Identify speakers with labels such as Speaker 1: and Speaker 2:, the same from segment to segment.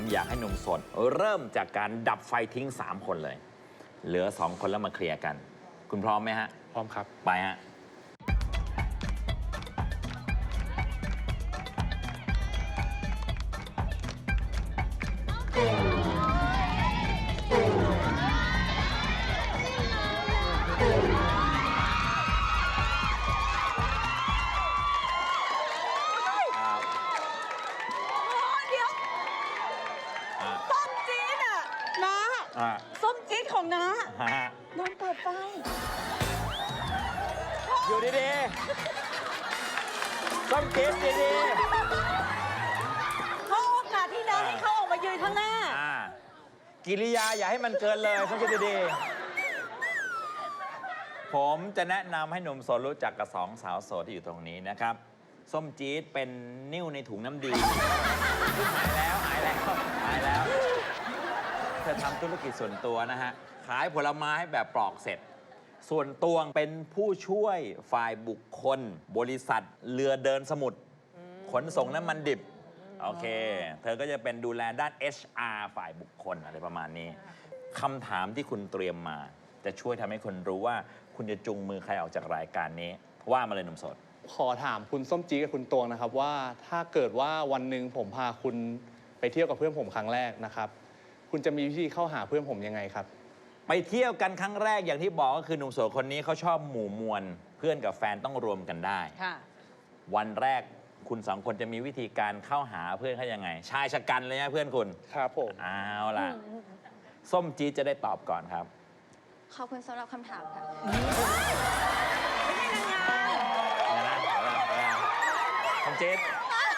Speaker 1: อยากให้หนุ่มโสดเริ่มจากการดับไฟทิ้ง3 คนเลย เหลือ2 คนแล้วมาเคลียร์กัน คุณพร้อมไหมฮะ
Speaker 2: พร้อมครับ
Speaker 1: ไปฮะ
Speaker 3: ส้มจี๊ดของน้าโดนเปิดไฟ
Speaker 1: อยู่ดีๆส้มจี๊ดดี
Speaker 3: ๆเขาโอกาสที่น้าให้เขาออกมายืนข้างหน้า
Speaker 1: กิริยาอย่าให้มันเกินเลยส้มจี๊ดดีๆผมจะแนะนำให้หนุ่มโสดรู้จักกับ2 สาวโสดที่อยู่ตรงนี้นะครับส้มจี๊ดเป็นนิ่วในถุงน้ำดีหายแล้วเธอทำธุรกิจส่วนตัวนะฮะขายผลไม้แบบปลอกเสร็จส่วนตวงเป็นผู้ช่วยฝ่ายบุคคลบริษัทเรือเดินสมุทรขนส่งน้ำมันดิบโอเคเธอก็จะเป็นดูแลด้าน HR ฝ่ายบุคคลอะไรประมาณนี้คำถามที่คุณเตรียมมาจะช่วยทำให้คนรู้ว่าคุณจะจูงมือใครออกจากรายการนี้ว่ามาเลยหนุ่มโสด
Speaker 2: ขอถามคุณส้มจี๊ดกับคุณตวงนะครับว่าถ้าเกิดว่าวันหนึ่งผมพาคุณไปเที่ยวกับเพื่อนผมครั้งแรกนะครับคุณจะมีวิธีเข้าหาเพื่อนผมยังไงครับ
Speaker 1: ไปเที่ยวกันครั้งแรกอย่างที่บอกก็คือหนุ่มโสดคนนี้เขาชอบหมู่มวลเพื่อนกับแฟนต้องรวมกันได้วันแรกคุณ2 คนจะมีวิธีการเข้าหาเพื่อนเขายังไงชายชะกันเลยนะเพื่อนคุณ
Speaker 2: ครับผม
Speaker 1: เอาล่ะส้มจี๊ดจะได้ตอบก่อนครับ
Speaker 4: ขอบคุณสำหรับคำถามค่ะ
Speaker 3: ไม่ใช่นางงาม
Speaker 1: ส้มจี๊ด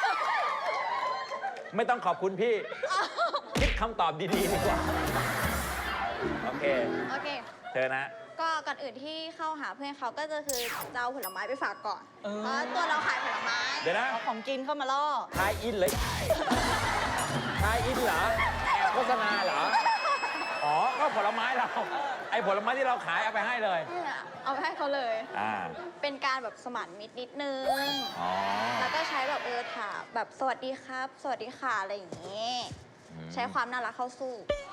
Speaker 1: ไม่ต้องขอบคุณพี่คิดคำตอบดีๆดีกว่าโอเคเชิญนะ
Speaker 4: ก็ก่อนอื่นที่เข้าหาเพื่อนเขาก็จะคือจะเอาผลไม้ไปฝากก่อนเพราะตัวเราขายผลไม้
Speaker 1: เดี๋ยวนะ
Speaker 3: เอาของกินเข้ามาล่อ
Speaker 1: ทายอินเลยทายอินเหรอแอบโฆษณาเหรออ๋อก็ผลไม้เราไอ้ผลไม้ที่เราขายเอาไปให้เลย
Speaker 4: เอาไปให้เขาเลยเป็นการแบบสมานมิตรนิดนึงแล้วก็ใช้แบบถามแบบสวัสดีครับสวัสดีค่ะอะไรอย่างนี้ใช้ความน่ารักเข้าสู้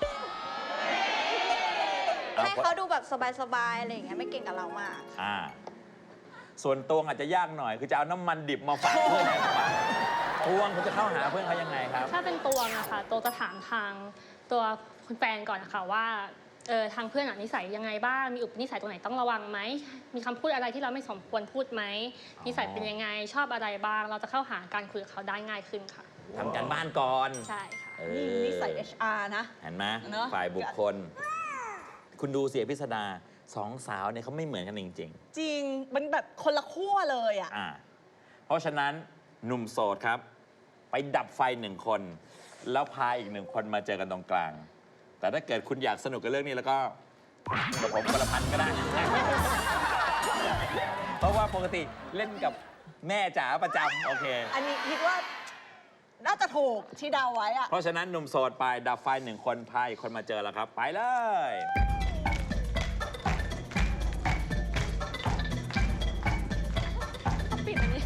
Speaker 4: ให้เขาดูแบบสบายๆอะไรอย่างเงี้ยไม่เก่งกับเรามาก
Speaker 1: ส่วนตวงอาจจะยากหน่อยคือจะเอาน้ำมันดิบมาฝากเพื่อนในกระเป๋าตวงคุณจะเข้าหาเพื่อนเขายังไงครับ
Speaker 5: ถ้าเป็นตวงอะค่ะตวงจะถามทางตัวคุณแฟนก่อนนะคะว่าทางเพื่อนนิสัยยังไงบ้างมีอุปนิสัยตรงไหนต้องระวังไหมมีคำพูดอะไรที่เราไม่สมควรพูดไหมนิสัยเป็นยังไงชอบอะไรบ้างเราจะเข้าหาการคุยกับเขาได้ง่ายขึ้นค่ะ
Speaker 1: ทำการบ้านก่อน
Speaker 5: ใช่ค่ะ
Speaker 3: นี่นิสัย HR นะ
Speaker 1: เห็นไหมฝ่ายบุคคลคุณดูเสียพิสดา2 สาวเนี่ยเขาไม่เหมือนกันจริง
Speaker 3: ๆจริงมันแบบคนละขั้วเลยอ่ะ
Speaker 1: เพราะฉะนั้นหนุ่มโสดครับไปดับไฟ1 คนแล้วพาอีก1 คนมาเจอกันตรงกลางแต่ถ้าเกิดคุณอยากสนุกกับเรื่องนี้แล้วก็กับผมคนละพันก็ได้ เพราะว่าปกติเล่นกับแม่จ๋าประจำโอเค
Speaker 3: อันนี้คิดว่าน่าจะถูกที่เดาไว้อะ
Speaker 1: เพราะฉะนั้นหนุ่มโสดไปดับไฟ1 คนพาอีกคนมาเจอแล้วครับไปเลย
Speaker 5: ปิดอันนี้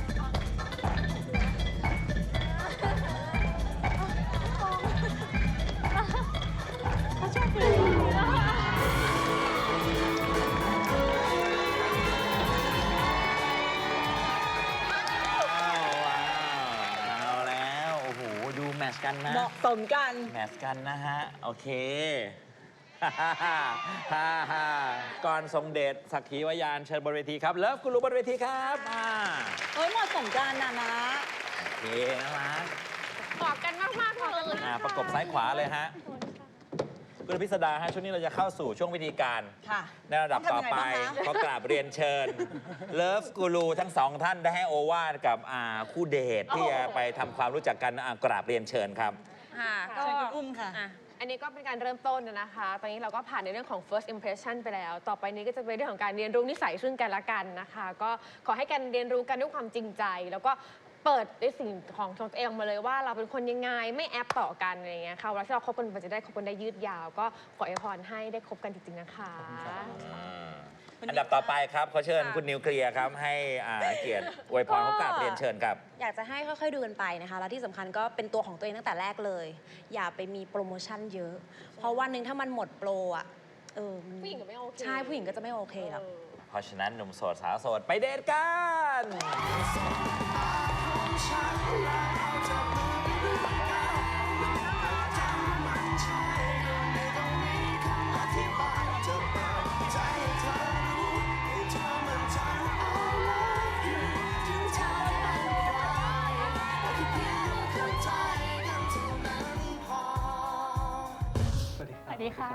Speaker 5: เขาชอบปิด
Speaker 1: แมทช์กันนะ
Speaker 3: เหมาะสมกัน
Speaker 1: แมทช์กันนะฮะโอเคก่อนทรงเดชสักขีวายานเชิญบนเวทีครับเลิฟกูรูบนเวทีครับ
Speaker 3: เหมาะสมกันนะ
Speaker 1: โอเคน่ารัก
Speaker 5: กอดกันมากๆเลย
Speaker 1: ประกบซ้ายขวาเลยฮะคุณพิสดาฮะช่วงนี้เราจะเข้าสู่ช่วงวิธีการในระดับต่อไปขอกราบเรียนเชิญเลิฟกูรูทั้ง2 ท่านได้ให้โอวาทกับคู่เดทที่จะไปทำความรู้จักกันกราบเรียนเชิญครับ
Speaker 3: ก็คุณอุ้มค่ะ
Speaker 6: อันนี้ก็เป็นการเริ่มต้นนะคะตอนนี้เราก็ผ่านในเรื่องของ first impression ไปแล้วต่อไปนี้ก็จะเป็นเรื่องของการเรียนรู้นิสัยซึ่งกันและกันนะคะก็ขอให้การเรียนรู้กันด้วยความจริงใจแล้วก็เปิดในสิ่งของตัวเองมาเลยว่าเราเป็นคนยังไงไม่แอปต่อกันอะไรเงี้ยค่ะเวลาที่เราคบกันมันจะได้คบกันได้ยืดยาวก็ขออวยพรให้ได้คบกันจริงๆนะคะ
Speaker 1: อันดับต่อไปครับขอเชิญคุณนิวเคลียร์ครับให้เกียรติอวยพรเขากราบเรียนเชิญครับ
Speaker 3: อยากจะให้ค่อยๆดูกันไปนะคะ แล้วที่สำคัญก็เป็นตัวของตัวเองตั้งแต่แรกเลย อย่าไปมีโปรโมชั่นเยอะ เพราะวันหนึ่งถ้ามันหมดโปรอ่ะ
Speaker 6: ผู้หญิงก็ไม่โอเค
Speaker 3: ใช่ผู้หญิงก็จะไม่โอเคหรอก
Speaker 1: เพราะฉะนั้นหนุ่มโสดสาวโสดไปเดทกัน
Speaker 5: สวัสดีค่ะ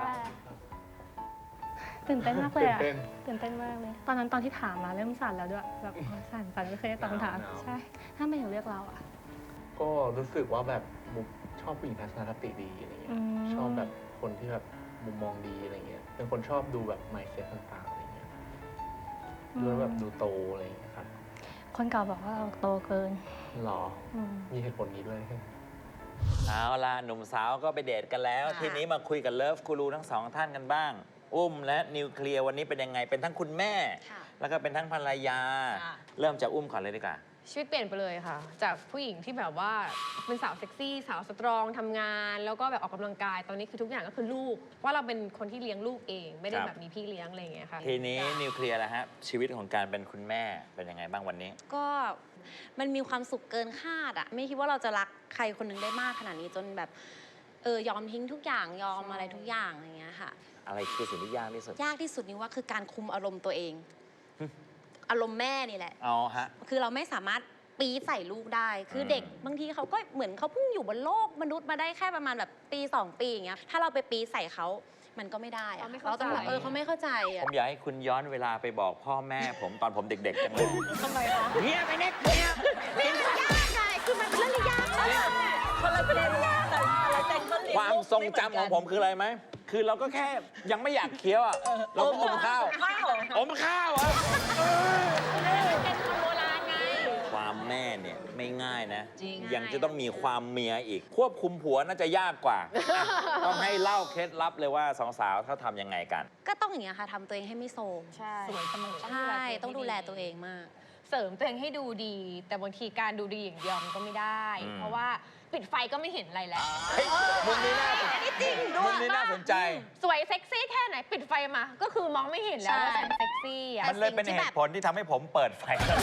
Speaker 5: ตื่นเต้นมากเลยอะตื่นเต้นมากเลย ตอนนั้นตอนที่ถามมาเริ่มสั่นแล้วด้วยแบบสั่นไม่เคยได้ตอบคำถามใช่ถ้าไม่ถึงเลือกเราอะ
Speaker 2: ก็รู้สึกว่าแบบมุกชอบผู้หญิงทัศนคติดีอะไรเงี้ย ชอบแบบคนที่แบบมุมมองดีอะไรเงี้ย เป็นคนชอบดูแบบ mindset ต่างๆอะไรเงี้ยดูแล้วแบบดูโตอะไรเงี้ยครับ
Speaker 5: คนเก่าบอกว่าเราโตเกิน
Speaker 2: หรอ
Speaker 5: อืม
Speaker 2: มีเหตุผลนี้ด้วย
Speaker 1: เอาล่ะหนุ่มสาวก็ไปเดทกันแล้ว
Speaker 3: ค่ะ
Speaker 1: ทีนี้มาคุยกับเลิฟกูรูทั้งสองท่านกันบ้าง อุ้มและนิวเคลียร์วันนี้เป็นยังไงเป็นทั้งคุณแม่
Speaker 3: ค่ะ
Speaker 1: แล้วก็เป็นทั้งภรรยา
Speaker 3: ค่ะ
Speaker 1: เริ่มจากอุ้มก่อนเลยดีกว่า
Speaker 6: ชีวิตเปลี่ยนไปเลยค่ะ จากผู้หญิงที่แบบว่าเป็นสาวเซ็กซี่ สาวสตรองทำงาน แล้วก็แบบออกกำลังกาย ตอนนี้คือทุกอย่างก็คือลูกว่าเราเป็นคนที่เลี้ยงลูกเอง ไม่ได้
Speaker 1: ครับ
Speaker 6: แบบมีพี่เลี้ยงอะไรอย่างเงี้ยค่ะ
Speaker 1: ทีนี้นิวเคลียร์แล้วฮะชีวิตของการเป็นคุณแม่เป็นยังไงบ้างวันนี้
Speaker 3: ก็มันมีความสุขเกินคาดอะไม่คิดว่าเราจะรักใครคนหนึงได้มากขนาดนี้จนแบบยอมทิ้งทุกอย่างยอมอะไรทุกอย่างอะไรเงี้ยค่ะ
Speaker 1: อะไรคือสิ่งที่ยากที่สุด
Speaker 3: ยากที่สุดนี่ว่าคือการคุมอารมณ์ตัวเอง อารมณ์แม่นี่แหละ
Speaker 1: เอาฮะ
Speaker 3: คือเราไม่สามารถปีใส่ลูกได้ คือเด็กบางทีเขาก็เหมือนเขาเพิ่งอยู่บนโลกมนุษย์มาได้แค่ประมาณแบบปี2 ปีอย่างเงี้ย ถ้าเราไปปีใส่เขามันก็ไม่ได้อะ
Speaker 6: เขาไม่
Speaker 3: เรา
Speaker 6: เข้าใจ
Speaker 3: ต้องแบบเขาไม่เข้าใจ
Speaker 1: ผ
Speaker 3: อะ
Speaker 1: มอยากให้คุณย้อนเวลาไปบอกพ่อแม่ผมตอนผมเด็กๆจังเลย
Speaker 3: ทำไมคะ
Speaker 1: เงียบไปเน็กเงียบ
Speaker 3: ไม่ยากไงคือมันเป็นเรื่องที่ยากมากคนละเป็นเรื่องยากแต่ละแต่คนเรียน
Speaker 1: ความทรงจำของผมคืออะไรไหม คือเราก็แค่ยังไม่อยากเคี้ยวอ่ะ เราก็อมข้าว อมข้าวอ่ะ
Speaker 6: เป็นคนโบราณไง
Speaker 1: ความแม่เนี่ยไม่ง่ายนะ
Speaker 3: จริง
Speaker 1: ยังจะต้องมีความเมียอีก ควบคุมผัวน่าจะยากกว่าอ่ะต้องให้เล่าเคล็ดลับเลยว่าสองสาวเขาทำยังไงกัน
Speaker 3: ก็ต้องอย่างเงี้ยค่ะทำตัวเองให้ไม่โทรม
Speaker 6: ใช่
Speaker 3: สวยเสมอใช่ต้องดูแลตัวเองมาก
Speaker 6: เสริมตัวเองให้ดูดี แต่บางทีการดูดีอย่างเดียวมันก็ไม่ได้
Speaker 1: อืม
Speaker 6: เพราะว่าปิดไฟก็ไม่เห็นอะไรแล้ว
Speaker 1: เฮ้ยมุมนี้น่าสนใจมุมนี้น่าสนใจ
Speaker 6: สวยเซ็กซี่แค่ไหนปิดไฟมา ก็คือมองไม่เห็นแล้วว่า
Speaker 3: ใช่
Speaker 6: ฉันเซ็กซี่อ่ะ
Speaker 1: มันเลยเป็นเหตุผลที่ทำให้ผมเปิดไฟ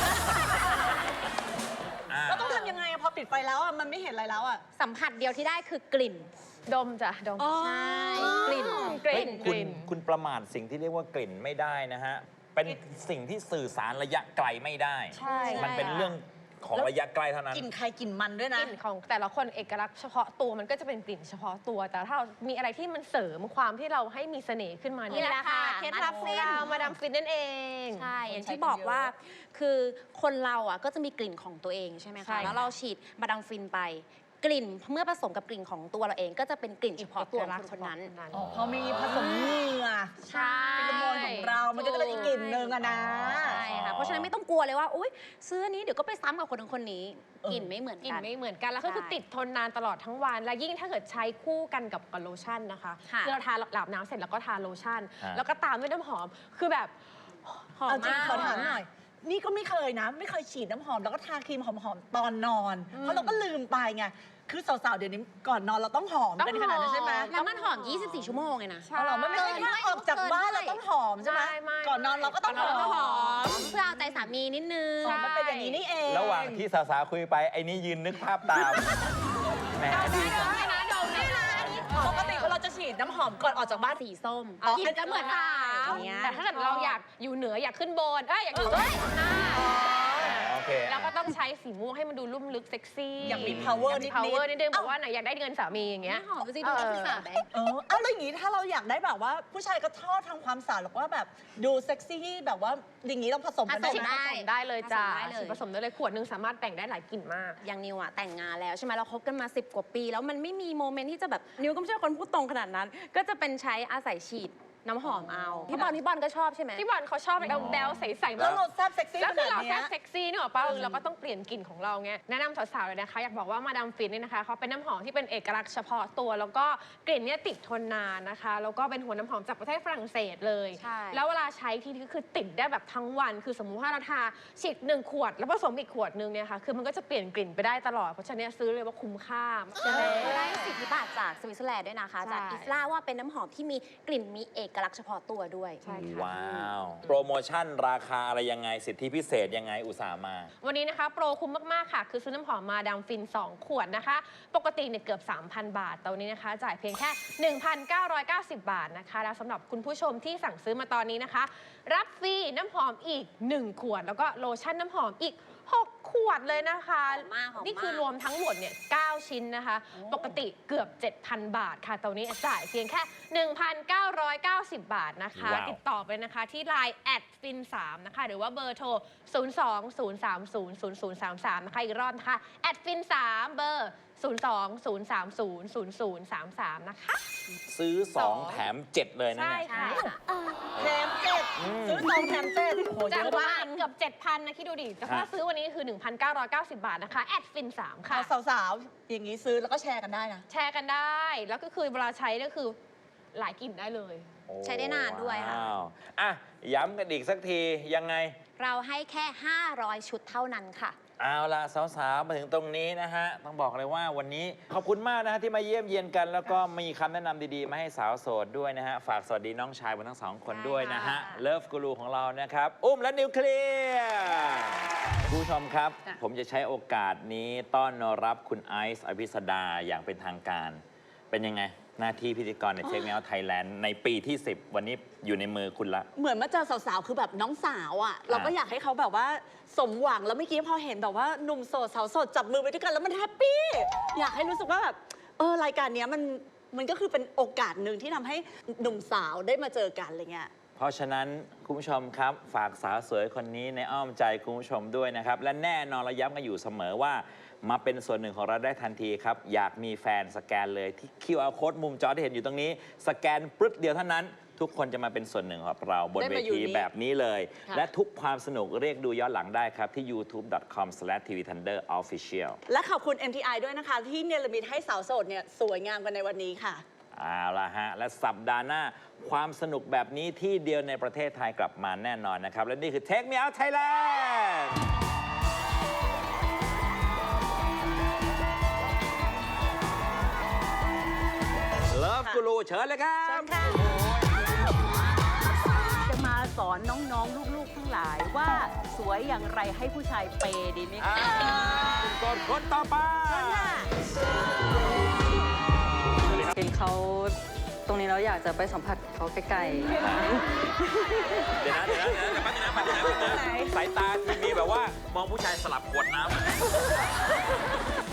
Speaker 1: อ่ะ
Speaker 7: เราต้องทำยังไงอะพอปิดไฟแล้วอะมันไม่เห็นอะไรแล้วอะ
Speaker 3: สัมผัสเดียวที่ได้คือกลิ่น
Speaker 6: ดมจ้ะดม
Speaker 3: ใช่กลิ่น
Speaker 6: กลิ่นก
Speaker 1: คุณ
Speaker 6: ลิ่น
Speaker 1: คุณประมาทสิ่งที่เรียกว่ากลิ่นไม่ได้นะฮะ เป็นสิ่งที่สื่อสารระยะไกลไม่ได้
Speaker 6: ใช่
Speaker 1: มันเป็นเรื่องของระยะไกลเท่านั้น
Speaker 7: กลิ่นใครกลิ่นมันด้วย
Speaker 6: ก
Speaker 7: นะ
Speaker 6: ลิ่นของแต่ละคนเอกลักษณ์เฉพาะตัวมันก็จะเป็นกลิ่นเฉพาะตัว แต่ถ้าเรามีอะไรที่มันเสริมความที่เราให้มีเสน่ห์ขึ้นมา
Speaker 3: นี่แหละค่ะ
Speaker 6: เคล็ดลับของเรามาดามฟินนั่นเอง
Speaker 3: ใช่ อย่างที่บอกว่าคือคนเราอ่ะก็จะมีกลิ่นของตัวเองใช่ไหม
Speaker 6: ใช่
Speaker 3: คะ
Speaker 6: ค่ะ
Speaker 3: แล้วเราฉีดมาดามฟินไป กลิ่นเมื่อผสมกับกลิ่นของตัวเราเองก็จะเป็นกลิ่นเฉพาะตัวของคนนั้น
Speaker 7: อ๋อพอมีผสมเหงื่อ
Speaker 3: ใช่
Speaker 7: ฟิโรโมนของเรา มันก็จะเป็นอีกกลิ่นหนึ่งอะนะ
Speaker 3: ใช่ค่ะ เพราะฉะนั้นไม่ต้องกลัวเลยว่า อุ๊ยซื้ออันนี้เดี๋ยวก็ไปซ้ำกับคนนึงคนนี้
Speaker 7: เออ
Speaker 3: กลิ่นไม่เหมือน
Speaker 6: กลิ่
Speaker 3: กัน น
Speaker 6: ไม่เหมือนกัน แล้วก็คือ
Speaker 3: ใช่
Speaker 6: ติดทนนานตลอดทั้งวัน และยิ่งถ้าเกิดใช้คู่กันกับโลชั่นนะคะ
Speaker 3: ค่ะ
Speaker 6: คือเราทาอาบน้ำเสร็จแล้วก็ทาโลชั่น
Speaker 1: ฮะ
Speaker 6: แล้วก็ตามด้วยน้ำหอม คือแบบ
Speaker 3: หอม
Speaker 7: เอาจริง
Speaker 3: มาก
Speaker 7: ขอถามหน่อย นี่ก็ไม่เคยนะ ไม่เคยฉีดน้ำหอมแล้วก็ทาครีมหอมๆตอนนอน เพราะเราก็ลืมไปไง คือสาวๆ เดี๋ยวนี้ก่อนนอนเราต้องหอมกันขนาดนั้นใช่ไหม
Speaker 3: แล้วมันหอม 24 ชั่วโมงไงนะ
Speaker 7: อ๋อเหรอมันไม่ใช่แค่ออกจากบ้านเราต้องหอมใช่ไหม
Speaker 6: ไม่
Speaker 7: ก่อนนอนเราก็ต้องห
Speaker 6: ก่อนนอนเราก็ห
Speaker 7: อ
Speaker 6: อ
Speaker 7: ม
Speaker 3: เพื่อเอาใจสามีนิดนึง
Speaker 7: อ๋อมันเป็นอย่างนี้นี่เอง
Speaker 1: ระหว่างที่สาวๆคุยไป ไอ้นี่ยืนนึกภาพตามแหมดีจัง
Speaker 7: ปกติเราจะฉีดน้ำหอมก่อนออกจากบ้าน
Speaker 3: สีส้ม
Speaker 7: อ๋อ
Speaker 3: กลิ่นจะเหมือนสาว
Speaker 6: อย่างเงี้ยแต่ถ้าเกิดเราอยากอยู่เหนืออยากขึ้นบนอยากอยู่เอ้ย
Speaker 1: โอเค
Speaker 6: เราก็ต้องใช้สีม่วงให้มันดูลุ่มลึกเซ็กซี่
Speaker 7: อยากมี power
Speaker 6: อยากมี
Speaker 7: นิดๆ
Speaker 6: power นิดนึงบอกว่าไหนอยากได้เงินสามีอย่างเงี้ย
Speaker 3: หอมสิดูนักศึกษาไหม
Speaker 7: เอาแล้วอย่างนี้ถ้าเราอยากได้แบบว่าผู้ชายก็ชอบทำความสะอาดหรือว่าแบบดูเซ็กซี่แบบว่าอย่างนี้เราผสมกันได้
Speaker 3: ผสม
Speaker 7: ไหม
Speaker 3: ได้
Speaker 6: ผสมได้เลยจ้า
Speaker 3: ผสมได้เลย
Speaker 6: ผสมได้เลยขวดหนึงสามารถแต่งได้หลายกลิ่นมาก
Speaker 3: อย่างนิวอะแต่งงานแล้วใช่ไหมเราคบกันมา10 กว่าปี แล้วมันไม่มีโมเมนต์ที่จะแบบนิวก็ไม่ใช่คนพูดตรงขนาดนั้น ก็จะเป็นใช้อาศัยฉีดน้ำหอมเอาพี่บอลก็ชอบใช่ไหม
Speaker 6: พี่บอลเขาชอบแบบแบลๆใสๆ
Speaker 7: แล้วเราแซ่บเซ็กซี่
Speaker 6: แล้ว
Speaker 7: ข
Speaker 6: คือ
Speaker 7: นาด
Speaker 6: เรา
Speaker 7: เนี้
Speaker 6: แซ่
Speaker 7: ย
Speaker 6: บเซ็กซี่นี่หรอป่ะเราก็ต้องเปลี่ยนกลิ่นของเราไงแนะนำสาวๆเลยนะคะอยากบอกว่ามาดามฟินเนี่ยนะคะเขาเป็นน้ำหอมที่เป็นเอกลักษณ์เฉพาะตัว แล้วก็กลิ่นเนี่ยติดทนนานนะคะแล้วก็เป็นหัวน้ำหอมจากประเทศฝรั่งเศสเลย
Speaker 3: ใช่
Speaker 6: แล้วเวลาใช้ทีก็คือติดได้แบบทั้งวัน คือสมมุติว่าเราทาฉีด1 ขวด แล้วผสมอีกขวดนึงเนี่ยค่ะคือมันก็จะเปลี่ยนกลิ่นไปได้ตลอดเพราะฉะนั้นซื้อเลยว่าคุ้มค่า
Speaker 3: ได้สิทธิบัตรจากสวิตเซอร์แลนด์ด้วยนะคะ
Speaker 6: ใช่
Speaker 3: จากอิสลาว่าเป็นน้ำหอมที่มีกลิ่นมีเอกลักษณ์เฉพาะตัวด้วย
Speaker 6: ใช่ค่ะ
Speaker 1: ว้าว โปรโมชั่นราคาอะไรยังไงสิทธิพิเศษยังไงอุตส่าห์มา
Speaker 6: วันนี้นะคะโปรคุ้มมากๆค่ะ คือซื้อน้ำหอมมาดามฟิน 2 ขวดนะคะ ปกติเนี่ยเกือบ 3,000 บาทแต่วันนี้นะคะ จ่ายเพียงแค่ 1,990 บาทนะคะ แล้วสำหรับคุณผู้ชมที่สั่งซื้อมาตอนนี้นะคะ รับฟรีน้ำหอมอีก 1 ขวด แล้วก็โลชั่นน้ำหอมอีก 6 ขวดเลยนะคะ
Speaker 3: หอมมากหอมมาก
Speaker 6: นี่คือรวมทั้งหมดเนี่ย9ชิ้นนะคะ ปกติเกือบ 7,000 บาทค่ะแต่วันนี้จ่ายเพียงแค่ 1,990 บาทนะคะ
Speaker 1: ว้าว
Speaker 6: ติดต่อไปนะคะที่ Line @fin3 นะคะหรือว่าเบอร์โทร 020300033 นะคะอีกรอบนะคะ @fin3 เบอร์ 020300033 นะคะ
Speaker 1: ซื้อ 2 แถม 7 เลยนะ
Speaker 6: ใช่
Speaker 1: เนี่ย
Speaker 6: ค่ะ
Speaker 7: แถมเจ็ดซื้อสองแถมเจ็ดโอ้โหเย
Speaker 6: จาก
Speaker 7: อะ
Speaker 6: ปก
Speaker 7: มาก
Speaker 6: ติเกือบ 7,000 นะคิดดูดิ แต่ถ้า
Speaker 1: ฮะ
Speaker 6: ซื้อวันนี้คือ 1,990 บาทนะคะ @fin3 ค่ะ
Speaker 7: เอาสาวๆ อย่างนี้ซื้อแล้วก็แชร์กันได้นะ
Speaker 6: แชร์กันได้ แล้วก็คือเวลาใช้ก็คือหลายกลิ่นได้เลย
Speaker 1: โอ้
Speaker 3: ใช้ได้นานด้วยค่ะ
Speaker 1: ว้าวอ่ะ ย้ำกันอีกสักทียังไง
Speaker 3: เราให้แค่ 500 ชุดเท่านั้นค่ะ
Speaker 1: เอาล่ะสาวๆ มาถึงตรงนี้นะฮะ ต้องบอกเลยว่าวันนี้ขอบคุณมากนะฮะที่มาเยี่ยมเยียนกัน แล้วก็มีคำแนะนำดีๆ มาให้สาวโสดด้วยนะฮะ ฝากสวัสดีน้องชายบนทั้งสองคนด้วยนะฮะ
Speaker 3: ใช่ค่ะ
Speaker 1: เลิฟกูรูของเรานะครับ อุ้มและนิวเคลียร์คุณผู้ชมครับ ผมจะใช้โอกาสนี้ต้อนรับคุณไอซ์อภิสดาอย่างเป็นทางการ เป็นยังไง หน้าที่พิธีกรในเช็คเมลไทยแลนด์ในปีที่ 10 วันนี้อยู่ในมือคุณละ
Speaker 7: เหมือนมาเจอสาวๆ คือแบบน้องสาวอ่ะ เราก็อยากให้เขาแบบว่าสมหวัง แล้วเมื่อกี้พอเห็นแบบว่าหนุ่มโสดสาวโสดจับมือไปด้วยกันแล้วมันแฮปปี้ อยากให้รู้สึกว่าแบบรายการเนี้ยมันก็คือเป็นโอกาสหนึ่งที่ทำให้หนุ่มสาวได้มาเจอกันอะไรเงี้ย
Speaker 1: เพราะฉะนั้นคุณผู้ชมครับฝากสาวสวยคนนี้ในอ้อมใจคุณผู้ชมด้วยนะครับ และแน่นอนเราย้ำกันอยู่เสมอว่ามาเป็นส่วนหนึ่งของเราได้ทันทีครับ อยากมีแฟนสแกนเลยที่ QR code มุมจอที่เห็นอยู่ตรงนี้ สแกนปึ๊ดเดียวเท่านั้น ทุกคนจะมาเป็นส่วนหนึ่งของเราบน
Speaker 7: ได้
Speaker 1: เว
Speaker 7: มาอยู่
Speaker 1: ที
Speaker 7: นี่
Speaker 1: แบบนี้เลย
Speaker 7: ค่ะ
Speaker 1: และทุกความสนุกเรียกดูย้อนหลังได้ครับที่ youtube.com/tvthunderofficial
Speaker 7: และขอบคุณ MTI ด้วยนะคะ ที่เนรมิตให้สาวโสดเนี่ยสวยงามกันในวันนี้ค่ะ
Speaker 1: เอาละฮะ และสัปดาห์หน้าความสนุกแบบนี้ที่เดียวในประเทศไทยกลับมาแน่นอนนะครับ และนี่คือ Take Me Out Thailand Love Guru เชิญเลยครับ
Speaker 8: จะมาสอนน้องๆ ลูกๆ ทั้งหลายว่าสวยอย่างไรให้ผู้ชายเปย์ดีไหมคะ
Speaker 1: คุณกดคนต่อไป
Speaker 8: เห็นเขาตรงนี้แล้วอยากจะไปสัมผัสเขาใกล้ๆ
Speaker 1: เดี๋ยวนะแป๊บนึงนะสายตาทีมีแบบว่ามองผู้ชายสลับขวดน้ำ